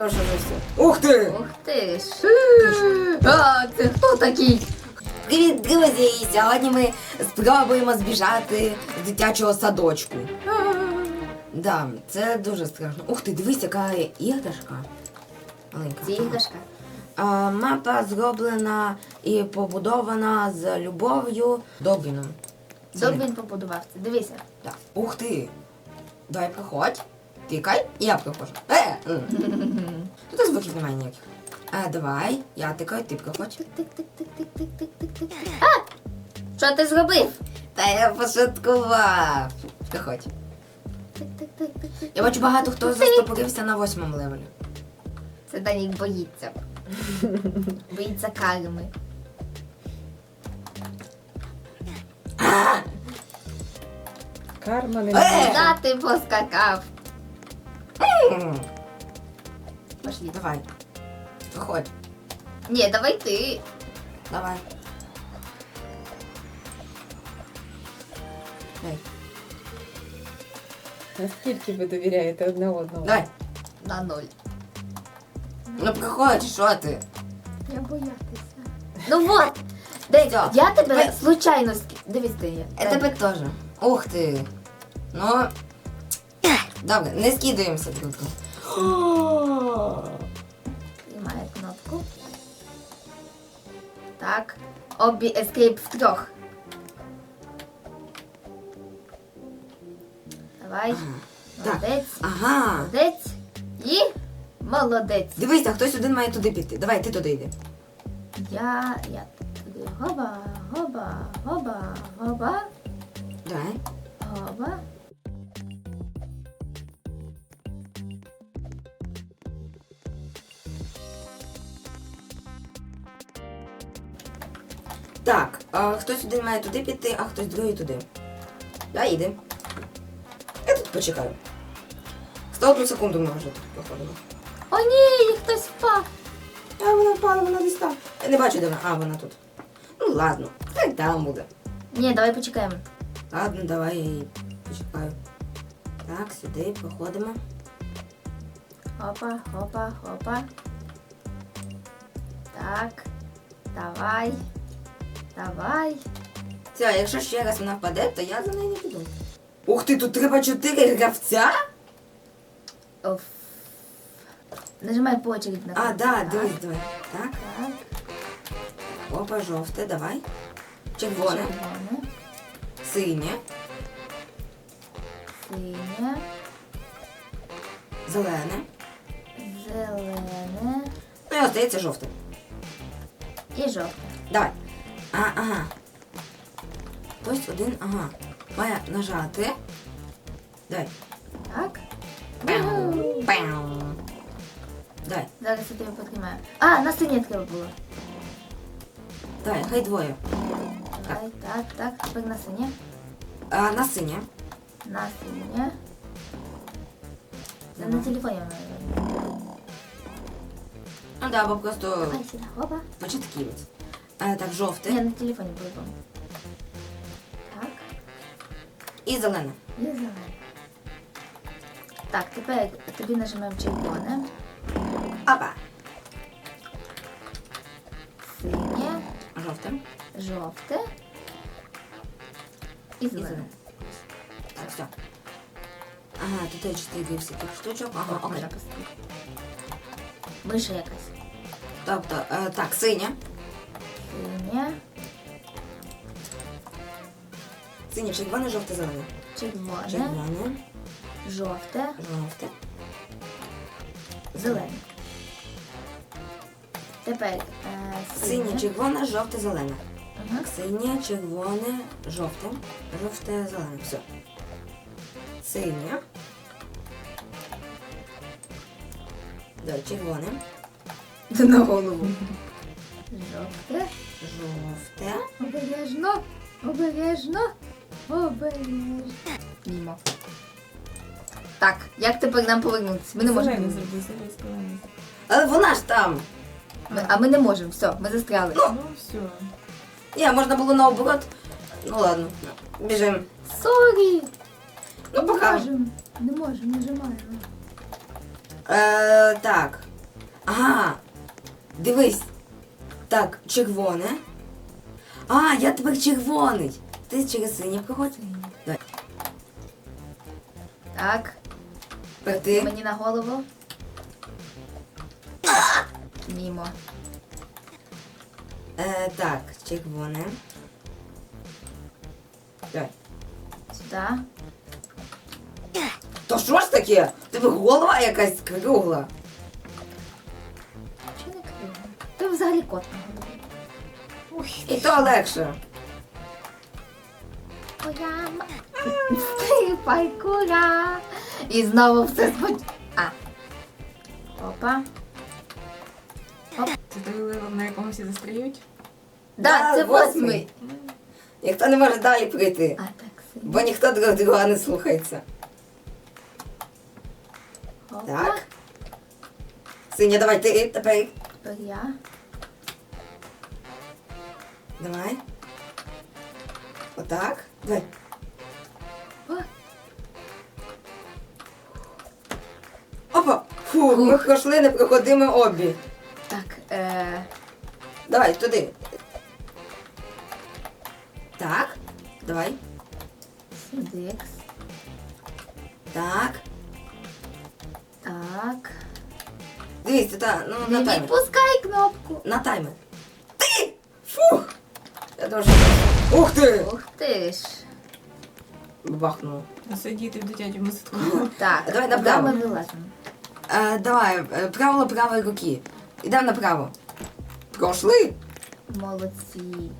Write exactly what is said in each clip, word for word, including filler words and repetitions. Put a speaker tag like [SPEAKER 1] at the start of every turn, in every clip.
[SPEAKER 1] Що ж все? Ух ти!
[SPEAKER 2] Ух ти ж. А, це хто такий?
[SPEAKER 1] Привіт, друзі! Сьогодні ми спробуємо збіжати з дитячого садочку. Да, це дуже страшно. Ух ти, дивись, яка іграшка. Маленька.
[SPEAKER 2] Це іграшка.
[SPEAKER 1] А, мапа зроблена і побудована з любов'ю Добріном.
[SPEAKER 2] Добрін побудував це. Дивися.
[SPEAKER 1] Так. Ух ти! Давай проходь. Тикай, і я проходжу. Е! м. Тут звуків немає ніяких. А, давай, я тикаю, ти проходь.
[SPEAKER 2] Тик-тик-тик-тик-тик-тик-тик. А! Що ти зробив?
[SPEAKER 1] Та я пошуткував. Проходь.
[SPEAKER 2] Тик-тик-тик-тик-тик.
[SPEAKER 1] Я бачу, багато хто застопорився на восьмому левелі.
[SPEAKER 2] Це Данік боїться. Боїться карми.
[SPEAKER 3] Карма не
[SPEAKER 1] Е!
[SPEAKER 3] може.
[SPEAKER 2] Да, ти поскакав.
[SPEAKER 1] М.
[SPEAKER 2] Пошли.
[SPEAKER 1] Давай. Проходь.
[SPEAKER 2] Ні, давай ти.
[SPEAKER 1] Давай. Дай.
[SPEAKER 3] Наскільки ви довіряєте одне одному?
[SPEAKER 1] Давай.
[SPEAKER 2] На ноль.
[SPEAKER 1] Ну проходь, що ти?
[SPEAKER 2] Я боятися. Ну вот. Дай,
[SPEAKER 1] Всё.
[SPEAKER 2] я тебе
[SPEAKER 1] Давай.
[SPEAKER 2] случайно sk... Дивись, де я.
[SPEAKER 1] Я тебе теж. Ух ти. Ну. Добре, не скидаємося друг друга.
[SPEAKER 2] Знімаю кнопку. Так. Обі ескейп в трьох. Давай.
[SPEAKER 1] Так.
[SPEAKER 2] Молодець.
[SPEAKER 1] Ага.
[SPEAKER 2] Молодець. І молодець.
[SPEAKER 1] Дивися, хтось один має туди піти. Давай, ти туди йди.
[SPEAKER 2] Я, я туди гоба, гоба, гоба, гоба,
[SPEAKER 1] Давай.
[SPEAKER 2] гоба.
[SPEAKER 1] Так, а, хтось один має туди піти, а хтось другий туди. Да, йди. Я тут почекаю. сто одну секунду ми вже тут проходимо.
[SPEAKER 2] О ні, хтось впав.
[SPEAKER 1] А вона впала, вона десь там. Я не бачу, де вона. А, вона тут. Ну ладно, так там буде.
[SPEAKER 2] Ні, давай почекаємо.
[SPEAKER 1] Ладно, давай я її почекаю. Так, сюди проходимо.
[SPEAKER 2] Хопа, хопа, хопа. Так. Давай. Давай.
[SPEAKER 1] Все, якщо ще раз вона впаде, то я за нею не піду. Ух ти, тут треба чотири гравця?
[SPEAKER 2] Оф. Нажимай по очереди на
[SPEAKER 1] А,
[SPEAKER 2] кнопку.
[SPEAKER 1] да,
[SPEAKER 2] Так,
[SPEAKER 1] дивись, давай. Так,
[SPEAKER 2] Так.
[SPEAKER 1] опа, жовте, давай. Червоне,
[SPEAKER 2] Червоне.
[SPEAKER 1] синє,
[SPEAKER 2] Синє.
[SPEAKER 1] зелене.
[SPEAKER 2] Зелене.
[SPEAKER 1] Ну і остається жовте.
[SPEAKER 2] І жовте.
[SPEAKER 1] Давай. А, ага. Хтось один, ага. Має нажати. Давай.
[SPEAKER 2] Так.
[SPEAKER 1] Пяу, пяу. Давай,
[SPEAKER 2] Зараз я тебе потримаю. А, на синє треба було.
[SPEAKER 1] давай, хай двоє.
[SPEAKER 2] Давай, так, так, тепер на синє.
[SPEAKER 1] А, на синє.
[SPEAKER 2] На синє. Це на
[SPEAKER 1] Давай.
[SPEAKER 2] телефоні вона.
[SPEAKER 1] Ну да, бо просто
[SPEAKER 2] Давай сюди, опа.
[SPEAKER 1] початківець. А, так, жовте.
[SPEAKER 2] Ні, на телефоні по-любому. Так,
[SPEAKER 1] І зелене.
[SPEAKER 2] і зелене. Так, тепер тобі нажимаємо червоне,
[SPEAKER 1] Опа.
[SPEAKER 2] синє,
[SPEAKER 1] Жовте.
[SPEAKER 2] жовте і
[SPEAKER 1] І
[SPEAKER 2] зелене.
[SPEAKER 1] зелене. Так, все. Ага, тут є чотири всяких штучок. Ага,
[SPEAKER 2] Ага,
[SPEAKER 1] окей.
[SPEAKER 2] запустити. Миша якась.
[SPEAKER 1] Тобто, е, так, синє.
[SPEAKER 2] Синє,
[SPEAKER 1] Синє, червоне, жовте, зелене.
[SPEAKER 2] червоне,
[SPEAKER 1] Червоне,
[SPEAKER 2] жовте,
[SPEAKER 1] жовте.
[SPEAKER 2] зелене. Тепер е,
[SPEAKER 1] Синє,
[SPEAKER 2] синє.
[SPEAKER 1] червоне, жовте, зелене.
[SPEAKER 2] Ага.
[SPEAKER 1] Так, синє, червоне, жовте. Жовте, зелене. Все. Синє. Давай, червоне.
[SPEAKER 2] На голову. Жовте.
[SPEAKER 1] Жовте.
[SPEAKER 2] Обережно. Обережно. Обережно. Мімо. Так, як тепер нам повернутися? Ми не можемо.
[SPEAKER 3] Зелений зроби, зелений, зелений.
[SPEAKER 1] Але вона ж там.
[SPEAKER 2] Ми- а ми не можемо, все, ми застряли.
[SPEAKER 3] Ну, все.
[SPEAKER 1] Ні, можна було наоборот. Ну ладно, біжимо.
[SPEAKER 2] Сорі.
[SPEAKER 1] Ну,
[SPEAKER 2] Не
[SPEAKER 1] пока.
[SPEAKER 2] можемо. Не можемо, нажимаємо.
[SPEAKER 1] Е, так. Ага. Дивись. Так, червоне. А, я тепер червоний. Ти через синє проходь. Давай.
[SPEAKER 2] Так,
[SPEAKER 1] Тепер ти.
[SPEAKER 2] мені на голову. Мімо.
[SPEAKER 1] Е, так, червоне. Давай.
[SPEAKER 2] Сюди.
[SPEAKER 1] То що ж таке? Тебе голова якась кругла.
[SPEAKER 2] Чи не криво? Ти взагалі кот на голові.
[SPEAKER 3] Ой,
[SPEAKER 1] І то легше.
[SPEAKER 2] Моя ма... Ти пайкура. І знову все споч... А. Опа.
[SPEAKER 3] це той левел, на якому всі застріють?
[SPEAKER 2] Да,
[SPEAKER 1] Да,
[SPEAKER 2] це
[SPEAKER 1] восьмий.
[SPEAKER 2] восьмий.
[SPEAKER 1] Ніхто не може далі прийти.
[SPEAKER 2] А так синій.
[SPEAKER 1] Бо ніхто друг друга не слухається.
[SPEAKER 2] Опа.
[SPEAKER 1] Так. Синя, давай ти тепер.
[SPEAKER 2] Тепер я.
[SPEAKER 1] Давай. Отак. Давай.
[SPEAKER 2] О,
[SPEAKER 1] Опа! Фу, ми пройшли непроходимо обі.
[SPEAKER 2] так, е...
[SPEAKER 1] Давай, туди. Так. Давай.
[SPEAKER 2] Сюдикс.
[SPEAKER 1] Так.
[SPEAKER 2] Так.
[SPEAKER 1] Дивись, та, ну, на
[SPEAKER 2] Не
[SPEAKER 1] таймер.
[SPEAKER 2] відпускай кнопку.
[SPEAKER 1] На таймер. Ти! Фух! Я дуже... Ух ти!
[SPEAKER 2] Ух ти ж.
[SPEAKER 1] Бахнуло.
[SPEAKER 3] Сидіти в дитячому садку.
[SPEAKER 2] Так,
[SPEAKER 1] Давай
[SPEAKER 2] куди
[SPEAKER 1] направо.
[SPEAKER 2] ми вилазимо?
[SPEAKER 1] Е, давай, е, правило правої руки. Ідемо направо. Пройшли?
[SPEAKER 2] Молодці.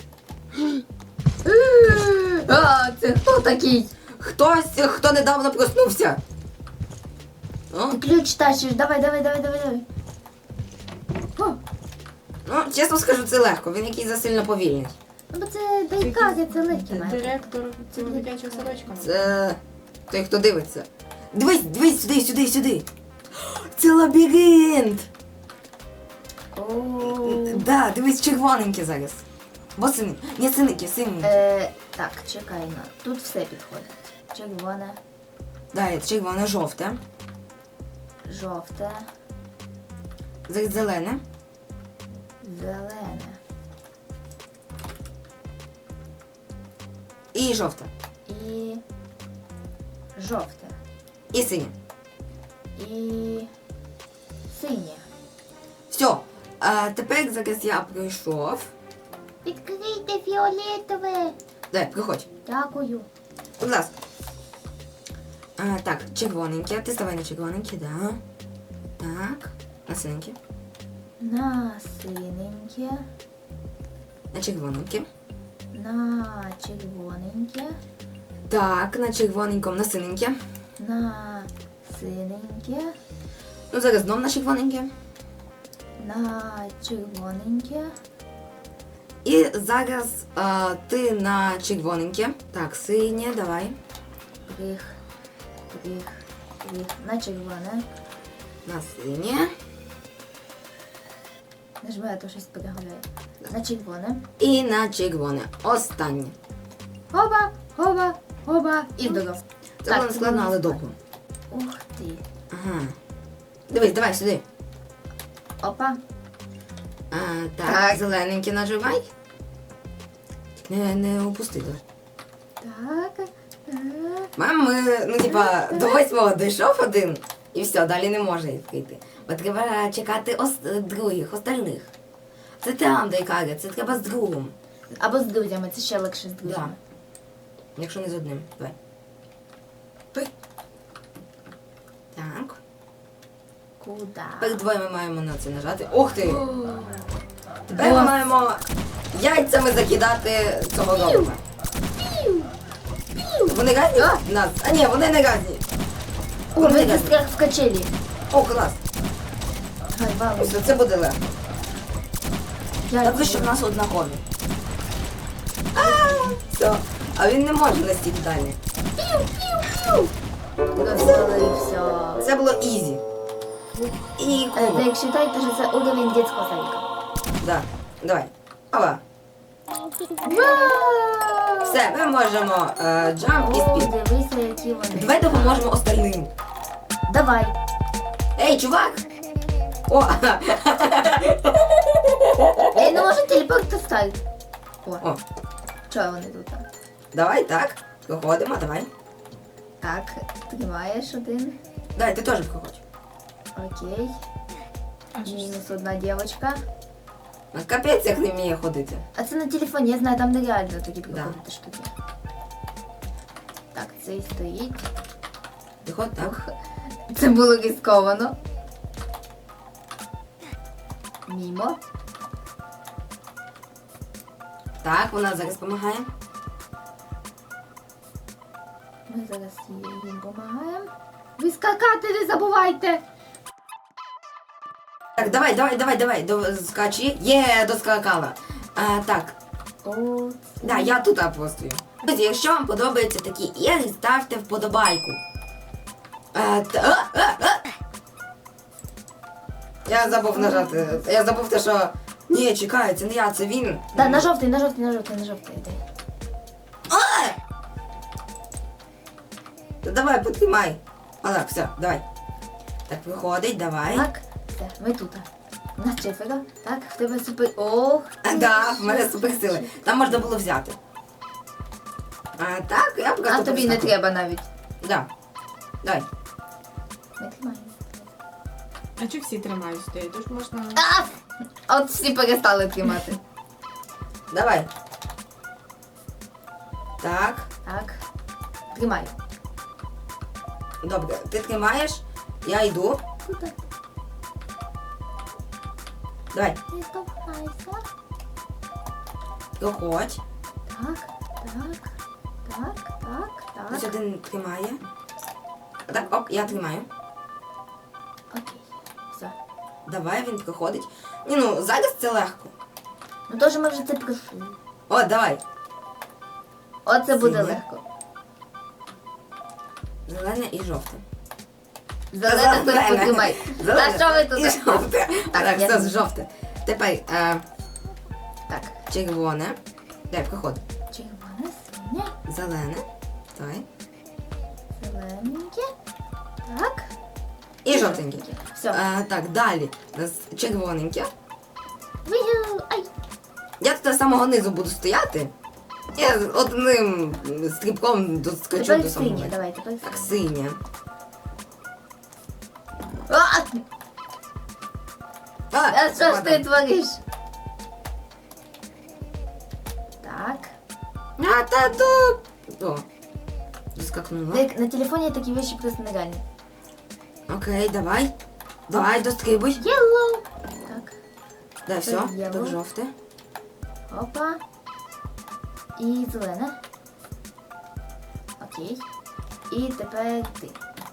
[SPEAKER 2] А, це хто такий?
[SPEAKER 1] Хтось, хто недавно проснувся. О,
[SPEAKER 2] Ти ключ тащиш, давай, давай, давай, давай, давай. О,
[SPEAKER 1] ну, чесно скажу, це легко. Він якийсь засильно повільний.
[SPEAKER 2] ну бо це байкаги, це легкі метри.
[SPEAKER 3] Директор цього дитячого садочка.
[SPEAKER 1] Це той, хто дивиться. Дивись, дивись сюди, сюди, сюди. Це лабіринт.
[SPEAKER 2] О.
[SPEAKER 1] Да, дивись, червоненький зараз. Бо синий. Ні, синенький, синенький.
[SPEAKER 2] Е, так, чекай на. Тут все підходить. Червоне,
[SPEAKER 1] Да, червоне, жовте.
[SPEAKER 2] жовте,
[SPEAKER 1] Зараз зелене.
[SPEAKER 2] зелене
[SPEAKER 1] І жовте.
[SPEAKER 2] і жовте
[SPEAKER 1] І синє.
[SPEAKER 2] і синє.
[SPEAKER 1] Все. А тепер зараз я пройшов.
[SPEAKER 2] Відкрийте фіолетове.
[SPEAKER 1] Дай, приходь.
[SPEAKER 2] Дякую.
[SPEAKER 1] Будь ласка. А, так, червоненьке. Ти ставай на червоненьке, да. Так. На синеньке.
[SPEAKER 2] На синеньке,
[SPEAKER 1] На червоненьке.
[SPEAKER 2] на червоненьке,
[SPEAKER 1] Так, на червоненькому, на синеньке.
[SPEAKER 2] на синеньке,
[SPEAKER 1] Ну, зараз знов на червоненьке.
[SPEAKER 2] на червоненьке.
[SPEAKER 1] І зараз а, ти на червоненьке. Так, синє, давай.
[SPEAKER 2] Прих, прих, прих. На червоне.
[SPEAKER 1] На синє.
[SPEAKER 2] Нажми, а то щось перегуляє. На червоне.
[SPEAKER 1] І на червоне. Останнє.
[SPEAKER 2] Хоба, хоба, хоба. І здоров.
[SPEAKER 1] Це було не складно, але довго.
[SPEAKER 2] Ух ти.
[SPEAKER 1] Ага. Дивись, давай сюди.
[SPEAKER 2] Опа.
[SPEAKER 1] А, так,
[SPEAKER 2] Так.
[SPEAKER 1] зелененький наживай. Не, не упусти, давай.
[SPEAKER 2] Так. так.
[SPEAKER 1] Мам, ми, ну, типа, до восьмого дійшов один, і все, далі не може відкрити. Бо треба чекати ос... других, остальних. Це там, де каже, це треба з другом.
[SPEAKER 2] Або з друзями, це ще легше з друзями.
[SPEAKER 1] Якщо не з одним. Давай. Пий. Так.
[SPEAKER 2] Куда?
[SPEAKER 1] Тепер двоє ми маємо на це нажати. Ух ти!
[SPEAKER 2] О,
[SPEAKER 1] Тепер ми маємо яйцями закидати цього робота. Вони разні в нас? А ні, вони не разні. О, вони
[SPEAKER 2] Ми
[SPEAKER 1] разні.
[SPEAKER 2] застряг в качелі.
[SPEAKER 1] О, клас.
[SPEAKER 2] Гай, валу.
[SPEAKER 1] Все, це буде легко.
[SPEAKER 2] Я
[SPEAKER 1] Так ви що в нас однакові. А, все. А він не може настільки далі.
[SPEAKER 2] Розпалився.
[SPEAKER 1] Це було ізі. І
[SPEAKER 2] Е,
[SPEAKER 1] кубок.
[SPEAKER 2] Так считайте, що це уровень дитячого садика.
[SPEAKER 1] Да. Давай. Ова.
[SPEAKER 2] Вау!
[SPEAKER 1] Все, ми можемо е, джамп і
[SPEAKER 2] О,
[SPEAKER 1] спід.
[SPEAKER 2] дивися, які вони.
[SPEAKER 1] Давай допоможемо остальним.
[SPEAKER 2] Давай.
[SPEAKER 1] Ей, чувак! О!
[SPEAKER 2] Я не можу телепорт ставити. О,
[SPEAKER 1] О,
[SPEAKER 2] чого вони тут?
[SPEAKER 1] давай так. Проходимо, давай.
[SPEAKER 2] Так, тримаєш один.
[SPEAKER 1] Давай, ти теж проходь.
[SPEAKER 2] Окей.
[SPEAKER 3] А що ж це?
[SPEAKER 2] Мінус одна дівчинка.
[SPEAKER 1] Ну, капець, як не вміє ходити.
[SPEAKER 2] А це на телефоні, я знаю, там нереально такі
[SPEAKER 1] Да.
[SPEAKER 2] приходити штуки. Так, цей стоїть.
[SPEAKER 1] Ти ходь так.
[SPEAKER 2] Ох, це було ризиковано. Мімо.
[SPEAKER 1] Так, вона зараз допомагає.
[SPEAKER 2] Ми зараз їм допомагаємо. Ви скакати не забувайте!
[SPEAKER 1] Так, давай, давай, давай, давай, до, скачи. Є, доскакала. А, так,
[SPEAKER 2] О,
[SPEAKER 1] да, я тут апостою. Друзі, якщо вам подобаються такі ігри, ставте вподобайку. А, та, а, а, а. Я забув нажати. Я забув те, що... Ні, чекай, це не я, це він.
[SPEAKER 2] Да, на жовтий, на жовтий, на жовтий, на жовтий. Йди.
[SPEAKER 1] А! Та давай, потримай. А так, все, давай. Так, виходить, давай.
[SPEAKER 2] Так, все, ми тут. У нас четверо. Так, в тебе супер. Ох.
[SPEAKER 1] А,
[SPEAKER 2] ти
[SPEAKER 1] да,
[SPEAKER 2] що?
[SPEAKER 1] в мене суперсили. Там можна було взяти. А так, я просто...
[SPEAKER 2] А тобі не
[SPEAKER 1] проскакую.
[SPEAKER 2] треба навіть.
[SPEAKER 1] Да. Давай.
[SPEAKER 2] Ми тримаємо.
[SPEAKER 3] А чи всі тримають сюди? Тож можна...
[SPEAKER 2] А! От всі перестали тримати.
[SPEAKER 1] Давай. Так.
[SPEAKER 2] Так. Тримай.
[SPEAKER 1] Добре, ти тримаєш, я йду.
[SPEAKER 2] Куди?
[SPEAKER 1] Давай,
[SPEAKER 2] Не штовхайся.
[SPEAKER 1] проходь.
[SPEAKER 2] Так, так, так, так,
[SPEAKER 1] Ось
[SPEAKER 2] так.
[SPEAKER 1] один тримає. Так, ок, я тримаю.
[SPEAKER 2] Окей. Все.
[SPEAKER 1] Давай, він проходить. Ні, ну, зараз це легко.
[SPEAKER 2] Ну теж ми вже це пройшли.
[SPEAKER 1] О, давай.
[SPEAKER 2] Оце буде
[SPEAKER 1] Синє.
[SPEAKER 2] легко.
[SPEAKER 1] Зелене і жовте.
[SPEAKER 2] Зелене тут потримай. Та що ви
[SPEAKER 1] І
[SPEAKER 2] тут?
[SPEAKER 1] жовте.
[SPEAKER 2] Так,
[SPEAKER 1] Так,
[SPEAKER 2] я-
[SPEAKER 1] все, жовте. Тепер е,
[SPEAKER 2] Так.
[SPEAKER 1] червоне. Дай, проходь.
[SPEAKER 2] Червоне, синє,
[SPEAKER 1] Зелене. Давай.
[SPEAKER 2] зелененьке. Так.
[SPEAKER 1] І жовтеньке.
[SPEAKER 2] Все.
[SPEAKER 1] Е, так, далі. У нас червоненьке.
[SPEAKER 2] Вигу. Ай.
[SPEAKER 1] Я тут з самого низу буду стояти. Я з одним стрибком доскочу
[SPEAKER 2] Тепер
[SPEAKER 1] до самого.
[SPEAKER 2] синє,
[SPEAKER 1] верху.
[SPEAKER 2] давай, тепер
[SPEAKER 1] Так,
[SPEAKER 2] синє.
[SPEAKER 1] синє.
[SPEAKER 2] А!
[SPEAKER 1] А,
[SPEAKER 2] А що ж
[SPEAKER 1] ладно.
[SPEAKER 2] ти твориш? Так.
[SPEAKER 1] А, та то... О, доскакнула.
[SPEAKER 2] На, на телефоне такие вещи просто нереальны.
[SPEAKER 1] Окей, давай. Давай, дострибуй.
[SPEAKER 2] Yellow. Так.
[SPEAKER 1] Да, все,
[SPEAKER 2] Yellow.
[SPEAKER 1] так жовте.
[SPEAKER 2] Опа. І зелене. Окей. І тепер ти.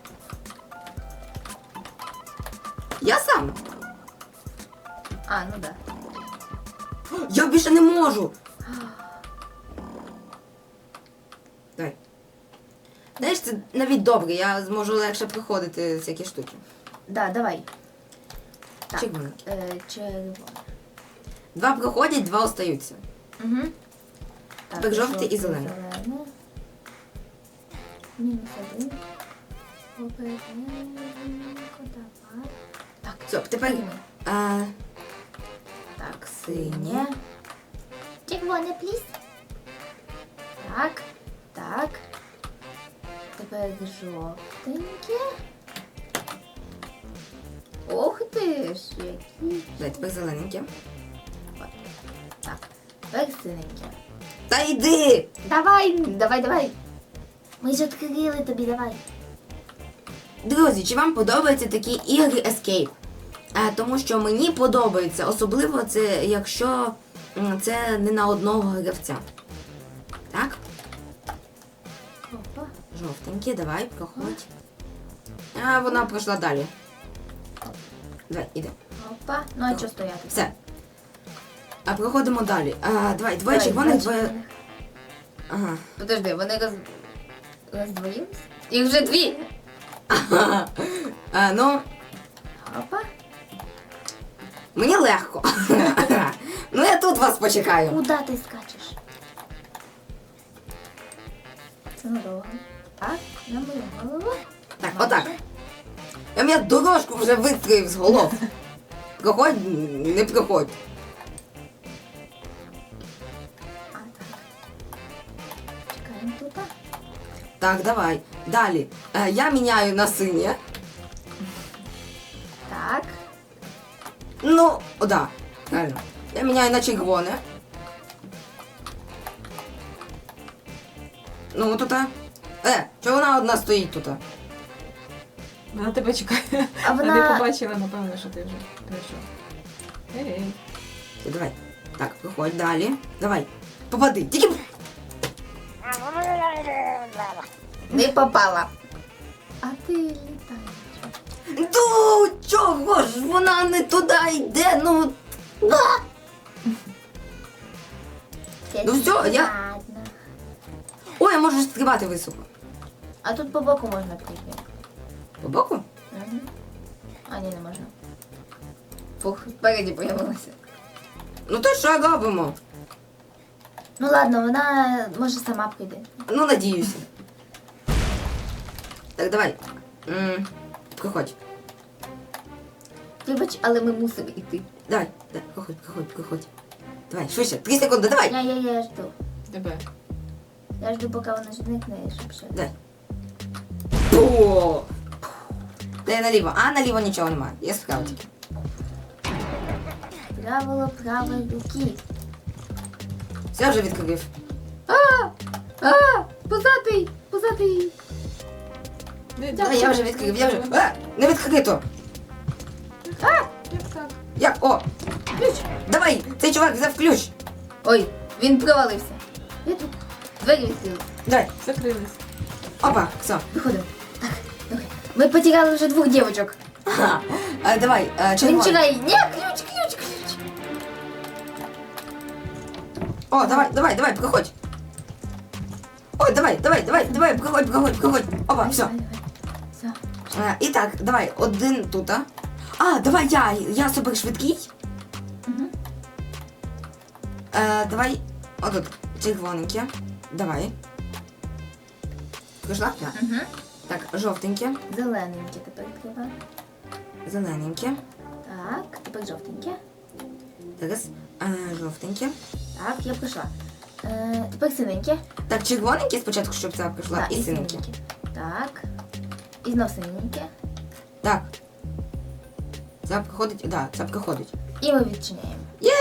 [SPEAKER 1] Я сам.
[SPEAKER 2] А, ну да.
[SPEAKER 1] Я більше не можу. Давай. Знаєш, це навіть добре, я зможу легше проходити всякі штуки.
[SPEAKER 2] Да, давай. Так.
[SPEAKER 1] Червоне.
[SPEAKER 2] Е, червоне.
[SPEAKER 1] Два проходять, два остаються.
[SPEAKER 2] Угу. Так,
[SPEAKER 1] Так, жовте і зелене.
[SPEAKER 2] зелене. Мінус один. Обережненько, давай. Так,
[SPEAKER 1] Все, тепер.
[SPEAKER 2] синє.
[SPEAKER 1] А,
[SPEAKER 2] Так,
[SPEAKER 1] синє.
[SPEAKER 2] синє. Червоне, пліс. Так, так. Тепер жовтеньке. Ох ти ж, який.
[SPEAKER 1] дай, тепер зелененьке.
[SPEAKER 2] Так, тепер синеньке.
[SPEAKER 1] Та йди!
[SPEAKER 2] Давай, давай, давай. Ми ж відкрили тобі, давай.
[SPEAKER 1] Друзі, чи вам подобаються такі ігри Escape? А, тому що мені подобається, особливо це, якщо м, це не на одного гравця. Так,
[SPEAKER 2] Опа.
[SPEAKER 1] жовтеньке, давай, проходь. А вона пройшла далі. Давай, іди.
[SPEAKER 2] Опа. Ну а чого стояти?
[SPEAKER 1] Все. А проходимо далі. А, давай, двоє
[SPEAKER 2] Давай,
[SPEAKER 1] червоних,
[SPEAKER 2] два
[SPEAKER 1] двоє.
[SPEAKER 2] червоних.
[SPEAKER 1] Ага.
[SPEAKER 2] Подожди, вони роз... роздвоїлись? Їх вже дві.
[SPEAKER 1] Ага. А, ну,
[SPEAKER 2] Опа.
[SPEAKER 1] мені легко. Ну я тут вас почекаю.
[SPEAKER 2] Куда ти скачеш? Це дорога. Так, на мою голову.
[SPEAKER 1] Так,
[SPEAKER 2] Майже.
[SPEAKER 1] отак. Я мені дорожку вже вистроїв з голов. Проходь, не проходь.
[SPEAKER 2] А, так. Чекаємо тут.
[SPEAKER 1] Так, давай. Далі. Е, я міняю на синє.
[SPEAKER 2] Так.
[SPEAKER 1] Ну, о, да, правильно. Я міняю на червоне. Ну, тут. Е, чого вона одна стоїть тут?
[SPEAKER 3] Вона тебе чекає.
[SPEAKER 2] А
[SPEAKER 3] А
[SPEAKER 2] вона-
[SPEAKER 3] ти побачила, напевно, що ти вже прийшов. Ей.
[SPEAKER 1] Все, давай. Так, проходь далі. Давай. Попади. Тільки.
[SPEAKER 2] Не попала. А ти літаєш.
[SPEAKER 1] Ну, чого ж вона не туди йде, ну. Ну всьо, я-
[SPEAKER 2] Ладно.
[SPEAKER 1] Ой, я можу стрибати високо.
[SPEAKER 2] А тут по боку можна прийти.
[SPEAKER 1] По боку?
[SPEAKER 2] Угу. А, ні, не можна. Фух, спереді появилася.
[SPEAKER 1] Ну то що робимо?
[SPEAKER 2] Ну ладно, вона може сама прийде.
[SPEAKER 1] Ну, надіюся. Так, давай. М, Проходь.
[SPEAKER 2] Вибач, але ми мусимо йти.
[SPEAKER 1] Давай, давай, проходь, проходь, проходь. Давай, швидше, три секунди, давай.
[SPEAKER 2] Я, я, я жду.
[SPEAKER 3] Тебе.
[SPEAKER 2] Я жду, поки вона зникне, щоб ще.
[SPEAKER 1] Давай. О! Дай наліво. А, наліво нічого немає. Є справа тільки.
[SPEAKER 2] Правило правої руки.
[SPEAKER 1] Все, я вже відкрив.
[SPEAKER 2] А! А! Позатий! Позатий!
[SPEAKER 3] Не,
[SPEAKER 1] Давай, я вже відкрив, я вже. А, не відкрито.
[SPEAKER 3] Як так?
[SPEAKER 1] Як? О!
[SPEAKER 2] Ключ!
[SPEAKER 1] Давай, цей чувак взяв ключ.
[SPEAKER 2] Ой, він провалився. Я тут. Двері відкрили.
[SPEAKER 1] Давай.
[SPEAKER 3] Закрились.
[SPEAKER 1] Опа, все.
[SPEAKER 2] Виходимо. Так, добре. Ми потеряли вже двох дівчинок.
[SPEAKER 1] Ага. А, давай, а,
[SPEAKER 2] Він
[SPEAKER 1] червоний.
[SPEAKER 2] чекає. Ні, ключ, ключ, ключ.
[SPEAKER 1] О, давай, давай, давай, проходь. Ой, давай, давай, давай, давай, проходь, проходь, проходь. Опа, все.
[SPEAKER 2] Давай, давай. Все.
[SPEAKER 1] А, і так, давай, один тут. А, а давай я, я супер швидкий.
[SPEAKER 2] Угу.
[SPEAKER 1] Е, давай, отут, червоненьке. Давай. Прийшла? Так.
[SPEAKER 2] Угу.
[SPEAKER 1] Так, жовтеньке,
[SPEAKER 2] Зелененьке тепер треба.
[SPEAKER 1] зелененьке.
[SPEAKER 2] Так, тепер жовтеньке.
[SPEAKER 1] Зараз, е, жовтеньке.
[SPEAKER 2] Так, я прийшла. Е, тепер синеньке.
[SPEAKER 1] Так, червоненьке спочатку, щоб це прийшла,
[SPEAKER 2] Так,
[SPEAKER 1] і синеньке.
[SPEAKER 2] Так. І знов синеньке.
[SPEAKER 1] Так. Це проходить, да, це проходить.
[SPEAKER 2] І ми відчиняємо.
[SPEAKER 1] Є!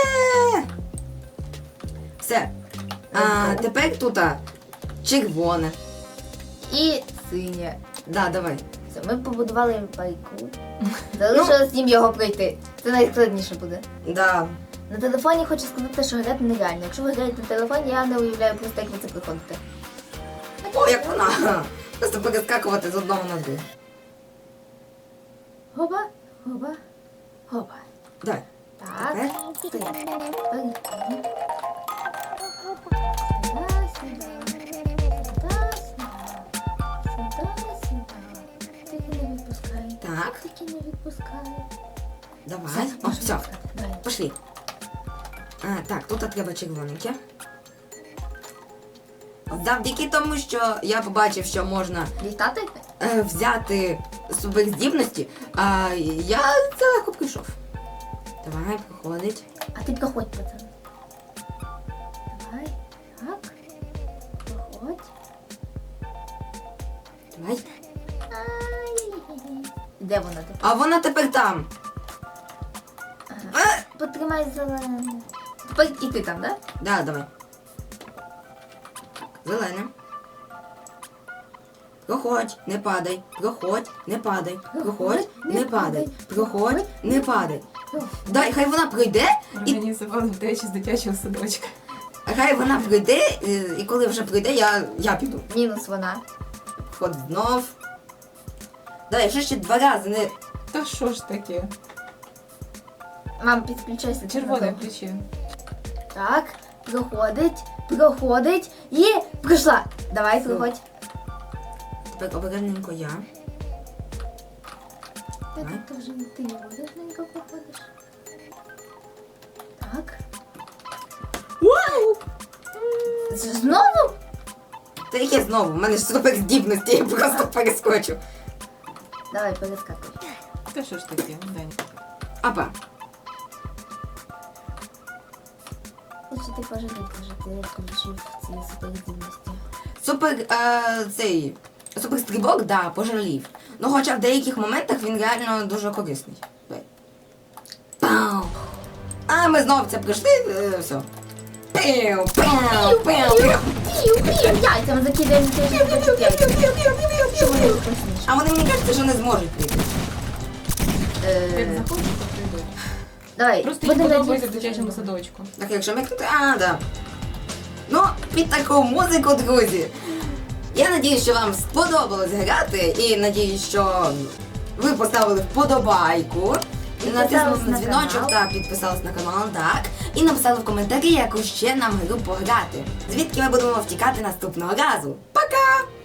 [SPEAKER 1] Все. А, тепер тут а, червоне.
[SPEAKER 2] І синє.
[SPEAKER 1] Да, давай.
[SPEAKER 2] Все, ми побудували пайку. Залишилось їм його пройти. Це найскладніше буде.
[SPEAKER 1] Да.
[SPEAKER 2] На телефоні хочу сказати, що грати нереально. Якщо ви граєте на телефоні, я не уявляю просто, як ви це проходите.
[SPEAKER 1] О, як вона. Просто перескакувати з одного на другий.
[SPEAKER 2] Гоба, гоба, гоба.
[SPEAKER 1] Давай.
[SPEAKER 2] Так,
[SPEAKER 1] Тепер?
[SPEAKER 2] ти. Переходимо. Сюда, сюди. Сюда, сюди. Сюда, сюди. Тільки не відпускай.
[SPEAKER 1] Так,
[SPEAKER 2] Тільки не відпускай.
[SPEAKER 1] давай. О, все.
[SPEAKER 2] Давай.
[SPEAKER 1] Пошли. А, так, тут треба червоненьке. Завдяки тому, що я побачив, що можна
[SPEAKER 2] Літати?
[SPEAKER 1] е, взяти суперздібності, а я це легко прийшов. Давай, проходить.
[SPEAKER 2] А ти проходь, пацан. Давай. Так. Проходь.
[SPEAKER 1] Давай.
[SPEAKER 2] Ай-яй-яй. Де вона тепер?
[SPEAKER 1] А вона тепер там.
[SPEAKER 2] Ага.
[SPEAKER 1] Е,
[SPEAKER 2] Потримай зелене. Тепер і ти там, да?
[SPEAKER 1] Да, давай. Зелене. Проходь, не падай. Проходь, не падай. Проходь, не падай. Проходь, не падай. Дай, хай вона пройде, і
[SPEAKER 3] Організували втечі з дитячого садочка.
[SPEAKER 1] хай вона пройде, і- і коли вже пройде, я, я піду.
[SPEAKER 2] Мінус вона.
[SPEAKER 1] Вход знов. Дай, якщо ще два рази не.
[SPEAKER 3] Та що ж таке?
[SPEAKER 2] Мам, підключайся.
[SPEAKER 3] Червоне ключі.
[SPEAKER 2] Так, проходить, проходить і пройшла. Давай,
[SPEAKER 1] Все.
[SPEAKER 2] проходь.
[SPEAKER 1] Тепер обережненько я.
[SPEAKER 2] Я
[SPEAKER 1] Давай.
[SPEAKER 2] тут вже ти не будеш ненько проходиш. Так.
[SPEAKER 1] Вау!
[SPEAKER 2] З- Знову?
[SPEAKER 1] Та яке знову? У мене ж суперздібності, я просто перескочу.
[SPEAKER 2] Давай, перескакуй.
[SPEAKER 3] Та що ж таке, Дань?
[SPEAKER 1] Апа.
[SPEAKER 2] ти пожалів, що ти включив ці суперздібності.
[SPEAKER 1] Супер е, цей суперстрибок, да, пожалів. Ну хоча в деяких моментах він реально дуже корисний. Давай. Пау! А ми знову це пройшли, е, все. Піу, піу, піу, піу.
[SPEAKER 2] Пів, пів, яйцями закидаємо, ти ж не хочеш яйцями. Що вони вкусніше?
[SPEAKER 1] А вони, мені кажуть, що не зможуть прийти.
[SPEAKER 3] Як
[SPEAKER 2] Е,
[SPEAKER 3] захочеш, то прийдуть.
[SPEAKER 2] Давай,
[SPEAKER 3] Просто їм
[SPEAKER 2] будемо
[SPEAKER 3] подобається в
[SPEAKER 2] надіятися,
[SPEAKER 3] дитячому
[SPEAKER 2] що
[SPEAKER 3] садочку.
[SPEAKER 1] Так, якщо микнути, а, да. Ну, під таку музику, друзі. Я надіюсь, що вам сподобалось грати, і надіюсь, що ви поставили вподобайку,
[SPEAKER 2] Підписались
[SPEAKER 1] натиснули на
[SPEAKER 2] на
[SPEAKER 1] дзвіночок
[SPEAKER 2] канал.
[SPEAKER 1] та підписались на канал, так. І написали в коментарі, яку ще нам гру пограти. Звідки ми будемо втікати наступного разу. Пока!